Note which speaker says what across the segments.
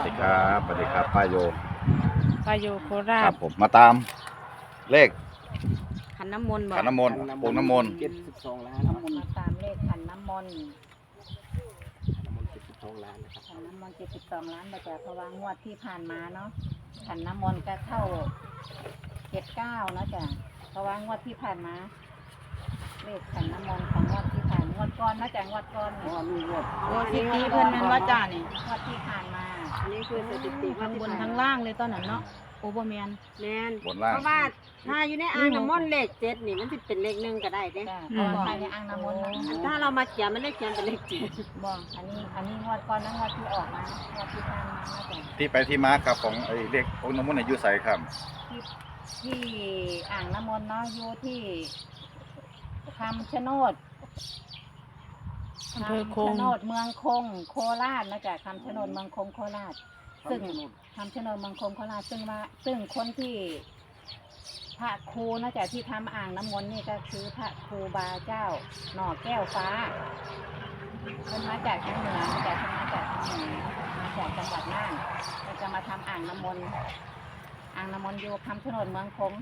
Speaker 1: ดีครับสวัสดีครับป้าโย
Speaker 2: ป้าโยโครา
Speaker 1: ครั
Speaker 2: ช
Speaker 1: บผมมาตามเลข
Speaker 3: ขันน้ำมนต์บ่
Speaker 1: ขันน้ำมนต์โป่งน้ำมนต์
Speaker 4: 72 ล้าน
Speaker 3: มาตามเลขขันน้ำมนต์
Speaker 4: น้ำมนต์72 ล้านนะครับ
Speaker 3: ขันน้ำมนต์72 ล้านนะจ๊ะเพราะว่างวดที่ผ่านมาเนาะขันน้ำมนต์ก็เข้า79เนาะจ๊ะเพราะว่างวดที่ผ่านมาเลขขันน้ำมนต์ของงวดที่ผ่านงวดก่อนนะจ๊ะงวดก่อน
Speaker 4: เพราะว่ามีงวด
Speaker 3: โอ้สิตีเพิ่นแม่นว่าจ้านี่งวดที่ผ่านมา
Speaker 5: อันนี้คือสถิติ
Speaker 3: ทั้งบนทั้งล่างเลยตอนนั้นเนาะโอเบอร์แมน
Speaker 5: แมน
Speaker 1: บนล่าง
Speaker 5: เพราะว่าถ้าอยู่ในอ่างน้ำมนต์เลขเจ็ดนี่มันจะเป็นเลขหนึ่งก็ได้เด้
Speaker 3: จ้ะเพราะว่าภายในอ่างน้ำมนต์นะ
Speaker 5: อันถ้าเรามาเขียนมันเลขเขียนเป็นเลขเจ็ด
Speaker 3: บอกอันนี้งวดก่อนนะงวดที่ออกมางวดที่ผ่านมานะจ๊ะ
Speaker 1: ที่ไปที่มาครับของไอ้เลขโป่งน้ำมนต์ในยูไสครับ
Speaker 3: ที่อ่างน้ำมนต์เนาะอยู่ที่คำชะโนด
Speaker 2: อำเภอคง
Speaker 3: คำชะโนดเมืองคงโคราชนะจ๊ะคำชะโนดเมืองคงโคราช ซึ่งคำชะโนดเมืองคงโคราชซึ่งคนที่พระครูนะจ๊ะที่ทำอ่างน้ำมนต์นี่ก็คือพระครูบาเจ้าหน่อแก้วฟ้าเป็นมาจากทางเหนือมาจากทางเหนือมาจากจังหวัดน่านเราจะมาทำอ่างน้ำมนต์อยู่คำชะโนดเมืองคง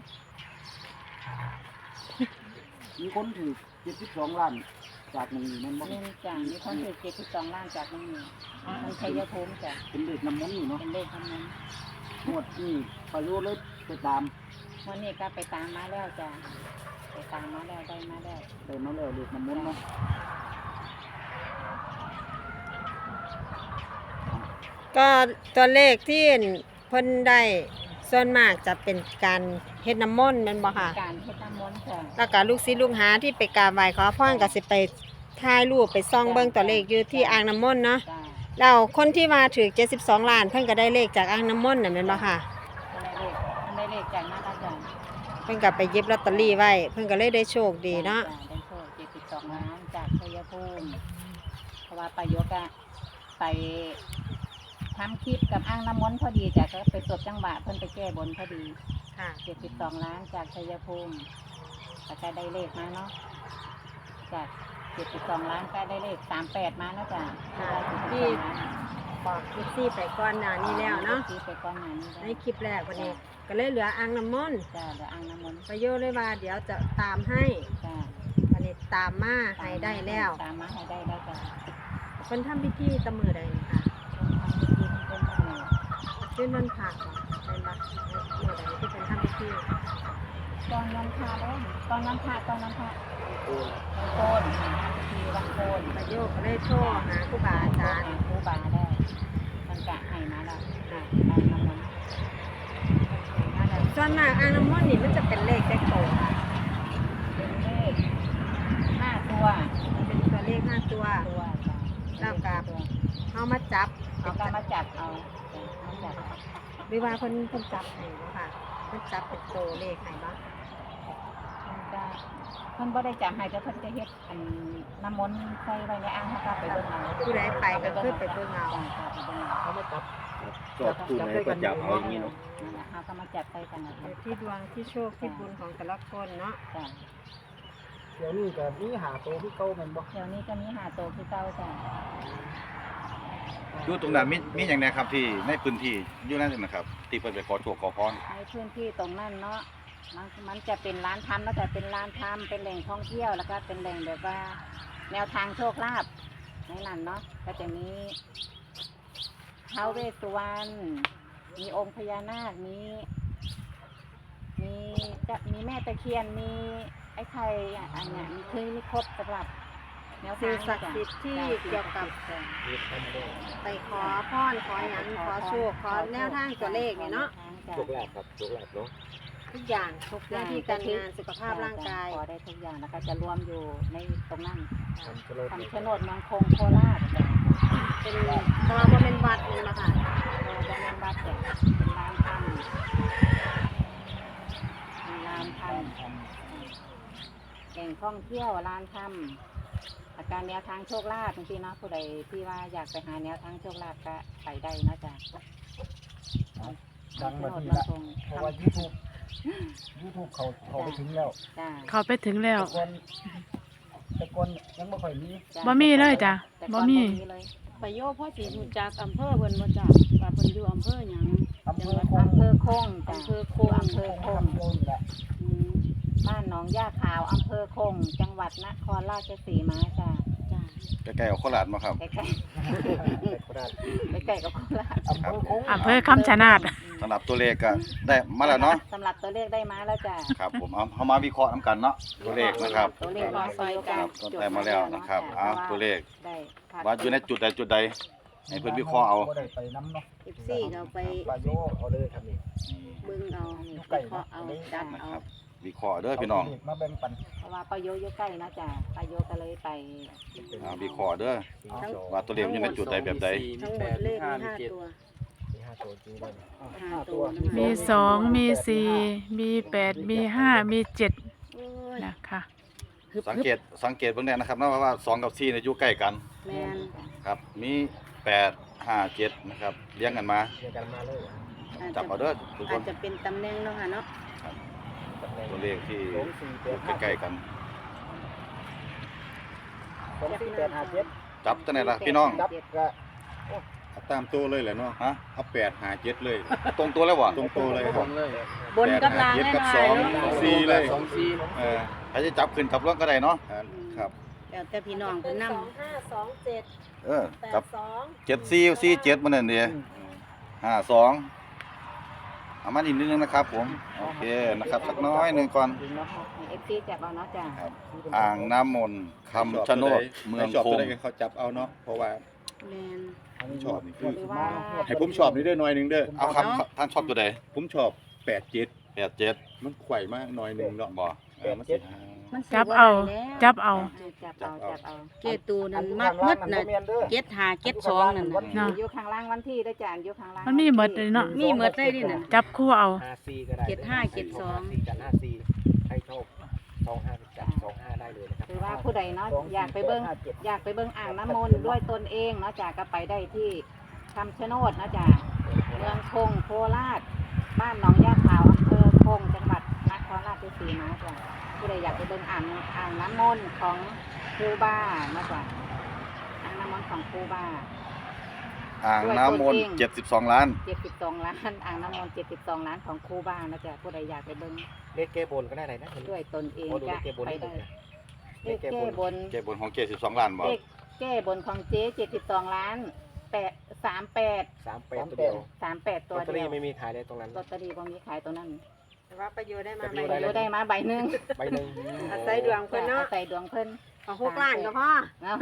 Speaker 4: มีคนถือ72 ล้านจากหนึ่งนั่นบ่
Speaker 3: เงินจ้ะมีคนถือ72 ล้านจากนั่นนี่มันชัยภูมิจ้ะ
Speaker 4: เป็นเลขน้ำมนต์นี่เนาะ
Speaker 3: เป็นเลขคำนั้น
Speaker 4: งวดนี้ประโยชน์เลยไปตาม
Speaker 3: วันนี้ก็ไปตามมาแล้วจ้ะไปตามมาแล้วได้มาแล้ว
Speaker 4: ได้มาแล้วเลขน้ำมนต์เนาะ
Speaker 5: ก็ตัวเลขที่เพิ่นได้ส่วนมากจะเป็นการเฮ็ดน้ำมนต์แม่นบ่ค่ะ
Speaker 3: การเฮ็ดน้ำมนต์จ้ะ
Speaker 5: แล้วก็ลูกศิษย์ลูกหาที่ไปกราบไหว้ขอพรก็สิไปถ่ายรูปไปส่องเบิ่งตัวเลขอยู่ที่อ่างน้ำมนต์เนาะ
Speaker 3: จ้ะ
Speaker 5: แล้วคนที่มาถือ72 ล้านเพิ่นก็ได้เลขจากอ่างน้ำมนต์น่ะแม่นบ่ค่ะ
Speaker 3: มันได้เลขจากนั้นอาจารย์
Speaker 5: เพิ่นก็ไปหยิบลอตเตอรี่ไว้เพิ่นก็เลยได้โชคดีเนาะ
Speaker 3: จ้ได้โชค72 ล้านจากชัยภูมิเพราะว่าประโยคอะไปทำคลิปกับอ่างน้ำมนต์พอดีจ้ะก็ไปสวดจังหวะเพิ่นไปแก้บนพอดี
Speaker 5: ค่ะ
Speaker 3: 72 ล้านจากชัยภูมิแต่ก็ได้เลขมาเนาะจาก72 ล้านก็ได้เลข38มาเนาะจ้ะ
Speaker 5: ที่บอกคลิปซี่ไปก่อนหน้านี้แล้วเนาะ
Speaker 3: ที่ไปก่อนหน้านี้
Speaker 5: ในคลิปแรกวันนี้ก็เลยเหลืออ่างน้ำมนต์
Speaker 3: จ้ะเดี๋ยวอ่างน้ำมนต์
Speaker 5: ประโยชน์เลยว่าเดี๋ยวจะตามให้
Speaker 3: จ้ะ
Speaker 5: อันนี้ตามมาให้ได้แล้ว
Speaker 3: ตามมาให้ได้แล้วจ้ะ
Speaker 5: เพิ่นทำพิธีตะมือใดนี่ค่ะ
Speaker 3: ทำพิธีที่เป็นมาเนี่ย
Speaker 5: ขึ้นวันพระบ่เป็นบักเมื่อใดที่เป็นทำพิธี
Speaker 3: ตอนวันพระแล้วตอนวันพระวันโกนทำพิธีวันโกน
Speaker 5: ประโยชน์ก็เลยโทรหาครูบาอาจารย์
Speaker 3: ครูบาได้มันกะให้มาแล้ว
Speaker 5: ค่ะ
Speaker 3: อ่างน้ำมนต์มาแล้ว
Speaker 5: ส่วนมากอ่างน้ำมนต์นี่มันจะเป็นเลขแจ็คโตค่ะ
Speaker 3: เป็นเลข5 ตัว
Speaker 5: มันเป็นตัวเลข5ตัว
Speaker 3: ตัวจ้ะ
Speaker 5: แล้วก็ เฮามาจับ
Speaker 3: เอาการมาจับเอาจับ
Speaker 5: หรือว่าเพิ่นจับให้บ่ค่ะเพิ่นจับเป็นตัวเลขให้บ่
Speaker 3: มันจะมันบ่ได้จับให้แต่เพิ่นจะเฮ็ดอันน้ำมนต์ใส่ไว้ในอ่างเขาก็ไปเบิ่งเอา
Speaker 5: ผู้ใดไปก็คือไปเบิ่งเอา
Speaker 3: จ้ะไปเบิ่งเอา
Speaker 4: เขามาจับ
Speaker 1: จอบคู่ไหนก็จับเอาอย่างนี้เนาะ
Speaker 3: นั่นแหละเขาก็มาจับใส่กันนะ
Speaker 5: อยู่ที่ดวงที่โชคที่บุญของแต่ละคนเนาะ
Speaker 3: จ้ะ
Speaker 4: เดี๋ยวนี้ก็มีหาโตที่เก่าแม่นบ่
Speaker 3: เดี๋ยวนี้จะมีหาโตคือเก่าจ้ะ
Speaker 1: อยู่ตรงนั้นมีอย่างไรครับที่ในพื้นที่อยู่นั่นนะครับที่เพิ่นไปขอโชคขอพร
Speaker 3: ในพื้นที่ตรงนั้นเนาะมันจะเป็นร้านทำแล้วแต่เป็นร้านทำเป็นแหล่งท่องเที่ยวแล้วก็เป็นแหล่งแบบว่า แนวทางโชคลาภในนั้นเนาะก็จะมีท้าวเวสสุวรรณมีองค์พญานาคมีแม่ตะเคียนมีไอ้ไข่อันเนี้ยมีครบสำหรับแนว
Speaker 5: สิ่
Speaker 3: ทาง ง
Speaker 5: ศักดิ์สิทธิ์ที่เกี่ยวกับ
Speaker 3: จ้ะ
Speaker 5: ไปขอพรขอหยังขอโชคขอแนวทางตัวเลขนี่เนาะ
Speaker 3: จ้ะ
Speaker 4: โชคลาภครับโชคลาภเนาะ
Speaker 5: ทุกอย่างหน้าที่การงานสุขภาพร่างกาย
Speaker 3: ขอได้ทุกอย่างแล้วก็จะรวมอยู่ในตรงนั้น
Speaker 4: คำชะโนด
Speaker 3: คำชะโนดเมืองคงโคราชจ้ะ
Speaker 5: เป็นเพราะว่าบ่เป็นวัดนี่เนาะค่ะ
Speaker 3: เราจะเรียนวัดจ้ะเป็นลานถ้ำเป็นลานถ้ำแหล่งท่องเที่ยวลานถ้ำอาการแนวทางโชคลาภจริงๆเนาะผู้ใดที่ว่าอยากไปหาแนวทางโชคลาภก็ไปได้นะจ๊ะ
Speaker 4: ดังมาที
Speaker 3: เมือง
Speaker 4: ละ
Speaker 3: คง
Speaker 4: เพราะว่า YouTube เขาไปถึงแล้ว
Speaker 3: จ้ะ
Speaker 2: เขาไปถึงแล้ว
Speaker 4: แต่ก่อนยังบ่ค่อยมี
Speaker 3: จ้ะ
Speaker 2: บ่มีเลยจ้ะ
Speaker 3: แต่
Speaker 2: บ่
Speaker 3: ก่อน
Speaker 2: มี
Speaker 3: เลย
Speaker 6: ประโยชน์พ่อสิรู้จักอำเภอเพิ่นบ่จ้ะว่าเพิ่นอยู่อำเภอหยัง
Speaker 4: อำเภอคง
Speaker 3: อำเภอคงจ้ะ
Speaker 6: อำเภอคง
Speaker 3: อำเภอคง
Speaker 4: นี่แหละ
Speaker 6: อืม
Speaker 3: บ้านหนองย่าขาวอำเภอคง จังหวัดนครราชสีมาจ้ะ
Speaker 6: จ้ะ
Speaker 1: ใกล้ๆกับโคราชมาครับ
Speaker 3: ใกล้
Speaker 4: โคราช
Speaker 3: ๆใกล้ๆกับโคราช
Speaker 4: อำเภอคง
Speaker 2: อำเภอคำชะนาด
Speaker 1: สำหรับตัวเลขก็ได้มาแล้วเนาะ
Speaker 3: สำหรับตัวเลขได้มาแล้วจ้ะ
Speaker 1: ครับผมเอามาวิเคราะห์นํกันเนาะตัวเลขนะครับ
Speaker 3: ตัวเลขรอซอย
Speaker 1: ค
Speaker 3: กั
Speaker 1: รั
Speaker 3: น
Speaker 1: บก็ได้มาแล้วนะครับเอาตัวเลข
Speaker 3: ได้ค่ะ
Speaker 1: ว่าอยู่ในจุดใดจุดใดให้เพิ่นวิเคราะห์เอา
Speaker 4: บ่ได้ไปน้ำเนาะ
Speaker 6: FC ก็เอาไป
Speaker 4: ปลาโยเอาเลยครับนี่
Speaker 6: เบิ่งเอา
Speaker 4: อยู่ใกล้
Speaker 6: วิเคราะห์เอาจัด
Speaker 1: นะ
Speaker 6: เอา
Speaker 1: ครับวิเคราะห์เด้อพี่น้อง
Speaker 4: เาเลขมาแบ่งปัน
Speaker 3: เพราะว่าป้าโยอยู่ใกล้นะจ้ะป้าโยก็เลยไป
Speaker 1: วิเคราะห์เด้อว่าตัวเลขอยู่ในจุดใดแบบใด
Speaker 6: ทั้งหมดเลขมี5ตัว
Speaker 4: มี5ตัวจริงด้วย
Speaker 6: ห้าตัวนะ
Speaker 2: มี 2 มี 4 มี 8 มี 5 มี 7
Speaker 6: โอ้ย
Speaker 2: นะคะ
Speaker 6: ฮึบ
Speaker 1: สังเกตเบิ่งได้นะครับนะว่า2กับ4เนี่ยอยู่ใกล้กัน
Speaker 6: แม่น
Speaker 1: ครับมี8 5 7นะครับเรียงกันมา
Speaker 4: เรียงกันมาเลย
Speaker 6: อาจ
Speaker 1: จั
Speaker 6: จะ
Speaker 1: บเอาเด้อทุกค
Speaker 6: อาจ
Speaker 1: น
Speaker 6: จะเป็นตำแหน่งเนาะค่ะเนาะ
Speaker 1: ตัวเลขที่
Speaker 4: 2 4
Speaker 1: อยู่ใกล้ๆกัน
Speaker 4: 2 4 8 5 7
Speaker 1: จับจังได๋ล่ะพี่น้อง
Speaker 4: จับก็
Speaker 7: เอาตามตัวเลยแหละเนาะ
Speaker 1: ฮะ
Speaker 7: เอา8 5 7เลย
Speaker 1: ตรงตัวแล้วบ่
Speaker 7: ตรงตัวเลยครับ
Speaker 6: บนกับล่าง
Speaker 7: 8 5 7กับ
Speaker 6: แน่นอน
Speaker 7: 2 4เลย
Speaker 1: เออใครจะจับขึ้นจับลงก็ได้เนาะ
Speaker 7: ครับ
Speaker 6: แล้วแต่พี่น้องเพิ่นนำ
Speaker 5: 2527
Speaker 1: เออจับ
Speaker 5: 82
Speaker 1: 7 4 4 7มันนั่นเด้5 2เอามาอีกนิดนึงนะครับผมโอเคนะครับสักน้อยหนึงก่อน
Speaker 3: เอฟซีจับเอาเนาะจ้ะ
Speaker 1: ครับอ่างน้ำมนต์คำชะโนดเมือง
Speaker 7: ชอบ
Speaker 1: ค
Speaker 7: ตัว
Speaker 1: ง
Speaker 7: ใดเขาจับเอาเนาะเพราะว่า
Speaker 6: แม่น
Speaker 7: ชอบนี่คือ
Speaker 3: หรือว่า
Speaker 7: ให้ผมชอบนี่ได้หน่อยหนึงเด้อ
Speaker 1: เอาครับท่านชอบตัวใด
Speaker 7: ผมชอบ8 7
Speaker 1: 8 7
Speaker 7: มันไขว่มากหน่อยหนึงเนาะ
Speaker 1: บ่
Speaker 7: มันสิ
Speaker 6: มันสิ
Speaker 2: จับ
Speaker 6: บ่
Speaker 2: เอา
Speaker 6: ได้แล้ว
Speaker 2: จับเอา
Speaker 3: จับเอา
Speaker 6: เกตูนั่นมักหมดน่ะ75 72นั่นน่ะ
Speaker 2: เนาะ
Speaker 3: อยู่ข้างล่างวันที่ได้จ้ะอยู่ข้างล่าง
Speaker 2: มันมีหมดเลยเนาะ
Speaker 6: มีหมดเลยดิน่ะ
Speaker 2: จับคู่เอา
Speaker 4: 54ก็ได้
Speaker 6: 75 72
Speaker 4: 4กัน54ใครชอบ25จับ25ได้เลยนะครับ
Speaker 3: คือว่าผู้ใดเนาะอยากไปเบิ่งอ่างน้ำมนต์ด้วยตนเองเนาะจ้ะก็ไปได้ที่คำชะโนดนะจ้ะเมืองคงโคราชบ้านหนองย่าขาวอำเภอคงจังหวัดนครราชสีมาจ้ะผู้ใดอยากไปเบิ่งอ่างน้ำมนต์ของครูบานะจ้ะอ่างน้ำมนต์ของครูบา
Speaker 1: อ่างน้ำมนต์72 ล้าน
Speaker 3: 72 ล้านอ่างน้ำมนต์72 ล้านของครูบานะจ๊ะผู้ใดอยากไปเบิ่ง
Speaker 4: เลขแก้บนก็ได้ไหนนะ
Speaker 3: ด้วยตนเอง
Speaker 4: โอ้ดู
Speaker 3: จะ
Speaker 4: เลขแก้บน
Speaker 3: ไป
Speaker 4: นี่
Speaker 3: ได้
Speaker 4: นะ
Speaker 3: เลขแก้บน
Speaker 1: เก็บบนของเก72 ล้านบ่
Speaker 3: เลขแก้บนของเจ๊72 ล้าน38
Speaker 4: 38ตัวเดียว
Speaker 3: 38
Speaker 4: ล
Speaker 3: ตั
Speaker 4: อ
Speaker 3: ว
Speaker 4: ตเตอ
Speaker 3: เดี
Speaker 4: รี่
Speaker 3: ยว
Speaker 4: ไม่มีขายเลยตรงนั้น
Speaker 3: ลอตเตอรี่บ่มีขายตัวนั้น
Speaker 5: แต่ว่าประโยชน์ได้มา
Speaker 4: แต่
Speaker 5: ใบ
Speaker 4: ประโยชน์
Speaker 5: เดียว
Speaker 3: ได้มาใบหนึง
Speaker 4: ใบหนึ่ง
Speaker 5: อาศัยดวงเพิ่นเนาะ
Speaker 3: ใส่ดวงเพิ่น
Speaker 5: เอา6ล้านก็พอ
Speaker 3: เนาะ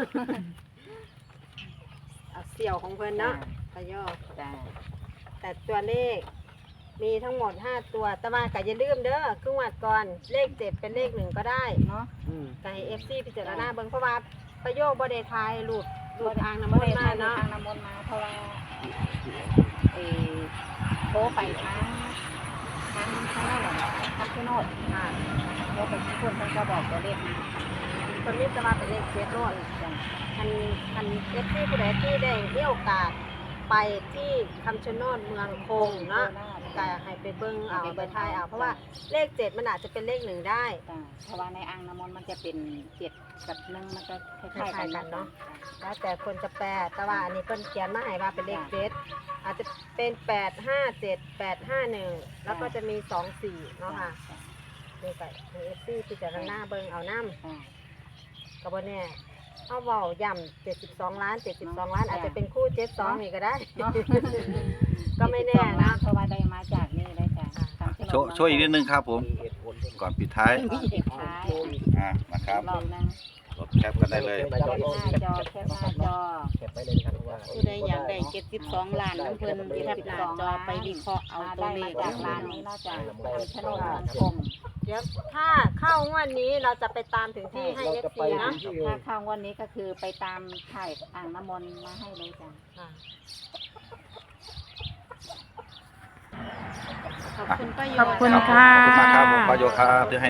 Speaker 5: เอาเสี่ยวของเพิ่นเนาะประโยชน์
Speaker 3: จ้ะ
Speaker 5: แต่ตัวเลขมีทั้งหมด 5 ตัว แต่ว่าก็อย่าลืมเด้อครึ่งวัดก่อน เลข 7 เป็นเลข 1 ก็ได้
Speaker 3: เนาะ
Speaker 5: ก็ให้ FC พิจารณาเบิ่งเพราะว่าประโยชน์บ่ได้ทายรูปอ่างน้ำม
Speaker 3: บ่
Speaker 5: น
Speaker 3: ได้
Speaker 5: ต์มา
Speaker 3: ทาง
Speaker 5: เนาะ
Speaker 3: ทางน้ำมนต์มาเพราะว่าโทรไปทางนั่นแหละทางชะโนดค่ะโทรไปที่คนเพิ่นก็บอกตัวเลขมา
Speaker 5: คนนี้จะมาเป็นเลข7โลด
Speaker 3: จ้ะ
Speaker 5: อัน FC ผู้ใดที่ได้มีโอกาสไปที่คำชะโนดเมืองคงเนาะก็ให้ไปเบิ่งเอาไปทายเอาเพราะว่าเลข 7 มันอาจจะเป็นเลข 1 ได้
Speaker 3: จ้ะเพราะว่าในอ่างน้ำมนต์มันจะเป็น7กับ1มันจะค
Speaker 5: ค
Speaker 3: ล้ายๆ
Speaker 5: ล้า
Speaker 3: กั
Speaker 5: ย
Speaker 3: น
Speaker 5: ๆกัน
Speaker 3: เนาะ
Speaker 5: เนาะแล้วแต่คนจะแปลแต่ว่าอันนี้เพิ่นเขียนมาให้ว่าเป็นเลขเจ็ดอาจจะเป็น857 851แล้วก็จะมี24เนาะค่ะนี่ก็ให้ FC พิจารณาเบิ่งเอานำ
Speaker 3: จ้ะ
Speaker 5: ก็บ่แน่เอาเว้าย่ำ72 ล้าน72 ล้านอาจจะเป็นคู่72นี่ก็ได้
Speaker 3: เนาะ
Speaker 5: ก็ไม่แน่นะ
Speaker 3: เพราะว่าได้มาจากนี่ได้จ้ะทางชะโนด
Speaker 1: ช่วยอีกนิดนึงครับผม
Speaker 4: มีเหตุผลด้วย
Speaker 1: ก่อนปิดท้าย
Speaker 3: มีเด็กท้าย
Speaker 1: นะครับ
Speaker 3: รอบนึง
Speaker 1: รถแคปกันได้เลย
Speaker 3: แคปหน้าจอแคปหน้าจอ
Speaker 4: เก็บไว้เลยนะครับว่า
Speaker 6: ผู้ใดอยากได้72 ล้านน้ำเพิ่นแคปหน้าจอไปวิเคราะห์เอาตัวเลข
Speaker 3: ได้
Speaker 6: เด้
Speaker 3: มา
Speaker 6: อ
Speaker 3: จากร้านนี้นอกจากทำชะโนดเมืองคง
Speaker 5: เดี๋ยวถ้าเข้างวดนี้เราจะไปตามถึงที่ให้
Speaker 4: เราจะ
Speaker 5: FC
Speaker 4: ไป
Speaker 5: เนาะ
Speaker 4: ที่
Speaker 3: ถ้าเข้างวันนี้ก็คือไปตามถ่ายอ่างน้ำมนต์มาให้เลยจ้ะ
Speaker 5: ค่ะ
Speaker 6: ขอบคุณป้าโย
Speaker 2: ขอบคุณ
Speaker 1: ขอบ
Speaker 2: ค่ะ
Speaker 1: คุณมากครับผมประโยชน์ครับที่ให้